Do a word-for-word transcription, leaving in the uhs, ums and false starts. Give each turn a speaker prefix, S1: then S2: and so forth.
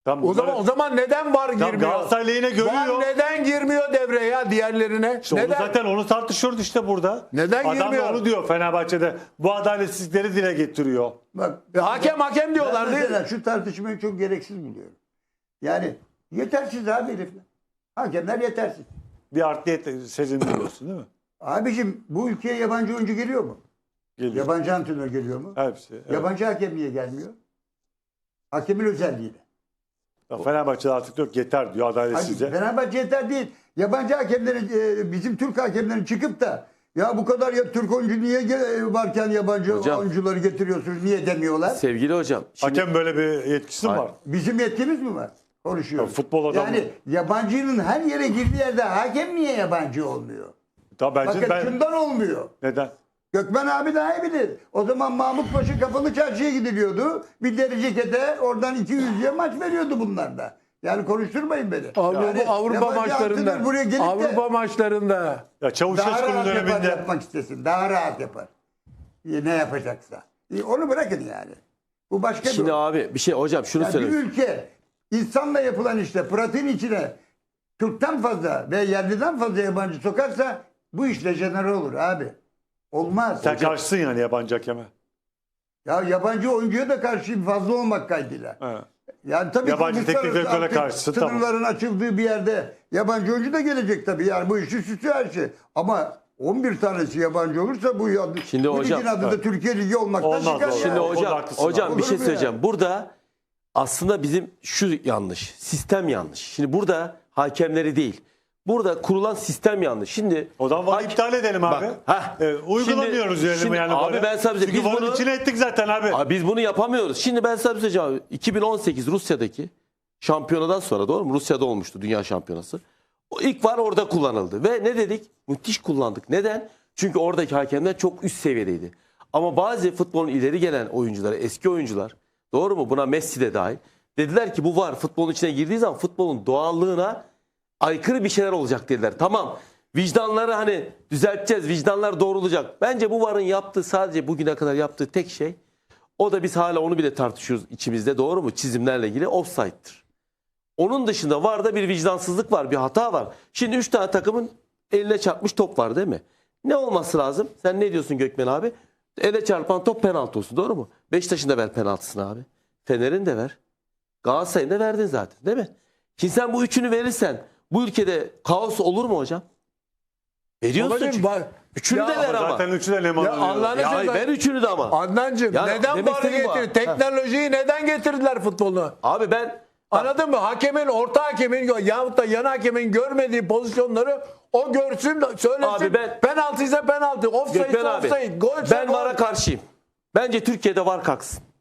S1: Tam
S2: O zaman
S1: bunları-
S2: o zaman neden var
S1: Tam
S2: girmiyor?
S1: Galatasaray lehine görüyor.
S2: Var neden girmiyor devreye ya diğerlerine?
S1: İşte onu
S2: neden?
S1: zaten onu tartışıyoruz işte burada.
S2: Neden
S1: Adam da
S2: girmiyor?
S1: onu diyor Fenerbahçe'de. Bu adaletsizlikleri dile getiriyor.
S3: Bak,
S2: E, hakem hakem diyorlar
S3: ben
S2: değil
S3: mesela
S2: mi?
S3: şu tartışmayı çok gereksiz buluyorum. Yani yetersiz abi herifler. Hakemler yetersiz.
S1: Bir artliyet sezin biliyorsun değil mi?
S3: Abicim bu ülkeye yabancı oyuncu geliyor mu?
S1: Geliyor.
S3: Yabancı antrenör geliyor mu?
S1: Hepsi. Evet.
S3: Yabancı hakem niye gelmiyor? Hakemin özelliğiyle.
S1: Ya Fenerbahçe'de artık yok yeter diyor
S3: Hayır,
S1: adaletsizce.
S3: Fenerbahçe yeter değil. Yabancı hakemlerin, e, bizim Türk hakemlerin çıkıp da ya bu kadar ya Türk oyuncu niye ge- varken yabancı
S4: Hocam.
S3: oyuncuları getiriyorsunuz niye demiyorlar?
S4: Sevgili hocam. Şimdi,
S1: Hakem böyle bir yetkisi mi
S4: Hayır.
S1: var?
S3: Bizim yetkimiz mi var? Konuşuyoruz.
S1: Ya futbol adamı-
S3: Yani yabancının her yere girdiği yerde hakem niye yabancı olmuyor?
S1: Tabii bence
S3: Bakın
S1: ben...
S3: şundan olmuyor.
S1: Neden?
S3: Gökmen abi daha iyi bilir. O zaman Mahmut Paşa Kapalı Çarşı'ya gidiliyordu. Bir deri cekete oradan iki yüzlüğe maç veriyordu bunlar da. Yani konuşturmayın beni.
S2: Avrupa,
S3: Yani
S2: Avrupa
S3: yabancı antrenör
S2: maçlarında.
S3: buraya gelip
S2: Avrupa
S3: de
S2: maçlarında.
S1: Ya
S3: daha
S1: Çavuşesku'nun
S3: rahat yapar,
S1: döneminde...
S3: yapmak istesin. Daha rahat yapar. E, Ne yapacaksa. E, Onu bırakın yani. Bu başka bir
S4: şimdi abi bir şey hocam şunu
S3: Ya bir
S4: söyleyeyim.
S3: ülke insanla yapılan işte pratiğin içine Türk'ten fazla ve yerliden fazla yabancı sokarsa bu iş dejenere olur abi. Olmaz.
S1: Sen karşısın yani yabancı hakeme.
S3: Ya yabancı oyuncuya da karşıyım fazla olmak kaydıyla.
S1: Ha.
S3: Yani tabii
S1: Yabancı
S3: ki
S1: teknik
S3: uluslararası
S1: direktöre
S3: artık
S1: karşısın, tamam.
S3: sınırların açıldığı bir yerde yabancı oyuncu da gelecek tabii. Yani bu işi süsü her şey. Ama on bir tanesi yabancı olursa bu, adı,
S4: Şimdi
S3: bu
S4: hocam-
S3: ligin adı da
S1: Evet.
S3: Türkiye Ligi olmaktan
S1: Olmaz,
S3: çıkar.
S1: olmaz.
S4: Şimdi
S3: yani.
S1: O da
S4: hocam
S1: haklısın
S4: hocam
S3: abi.
S4: bir şey
S3: Olur mu
S4: söyleyeceğim.
S3: yani?
S4: Burada aslında bizim şu yanlış. Sistem yanlış. Şimdi burada hakemleri değil. Burada kurulan sistem yanlış. Şimdi
S1: O zaman varı
S4: hak-
S1: iptal edelim abi.
S4: Bak, heh.
S1: Ee, uygulamıyoruz
S4: Şimdi-
S1: diyelim
S4: şimdi
S1: yani.
S4: abi
S1: varı.
S4: ben sana bir şey-
S1: Çünkü
S4: biz
S1: varın
S4: bunu-
S1: içine ettik zaten abi.
S4: Abi biz bunu yapamıyoruz. Şimdi ben sana bir şey söyleyeceğim abi. iki bin on sekiz Rusya'daki şampiyonadan sonra doğru mu? Rusya'da olmuştu dünya şampiyonası. O ilk var orada kullanıldı. Ve ne dedik? Müthiş kullandık. Neden? Çünkü oradaki hakemler çok üst seviyedeydi. Ama bazı futbolun ileri gelen oyuncuları, eski oyuncular, doğru mu? Buna Messi de dahil. Dediler ki bu var futbolun içine girdiği zaman futbolun doğallığına aykırı bir şeyler olacak dediler. Tamam. Vicdanları hani düzelteceğiz. Vicdanlar doğrulacak. Bence bu varın yaptığı sadece bugüne kadar yaptığı tek şey, o da biz hala onu bile tartışıyoruz içimizde, doğru mu? Çizimlerle ilgili offside'dır. Onun dışında var da bir vicdansızlık var, bir hata var. Şimdi üç tane takımın eline çarpmış top var değil mi? Ne olması lazım? Sen ne diyorsun Gökmen abi? Ele çarpan top penaltı olsun, doğru mu? Beşiktaş'ın da ver penaltısını abi. Fener'in de ver. Galatasaray'ın da verdin zaten değil mi? Şimdi sen bu üçünü verirsen bu ülkede kaos olur mu hocam? Veriyorsun
S2: Babacığım,
S4: çünkü.
S2: bak-
S4: Üçünü
S2: Ya
S4: de ver ama.
S1: Zaten üçü de Leman
S2: Ya
S1: oluyor.
S2: Allah'ını
S4: Ya
S2: seversen-
S4: ver üçünü de ama.
S2: Adnancığım
S4: Ya
S2: neden
S4: demek
S2: varı
S4: istediğim bu.
S2: getirdi? Teknolojiyi neden getirdiler futboluna?
S4: Abi ben
S2: Anladın mı? Hakemin, orta hakemin yahut da yan hakemin görmediği pozisyonları o görsün, söylesin.
S4: Abi ben-
S2: penaltı ise penaltı, offside ise
S4: Gökmen abi
S2: offside, gol ise
S4: ben
S2: gol.
S4: VAR'a karşıyım. Bence Türkiye'de VAR kalksın.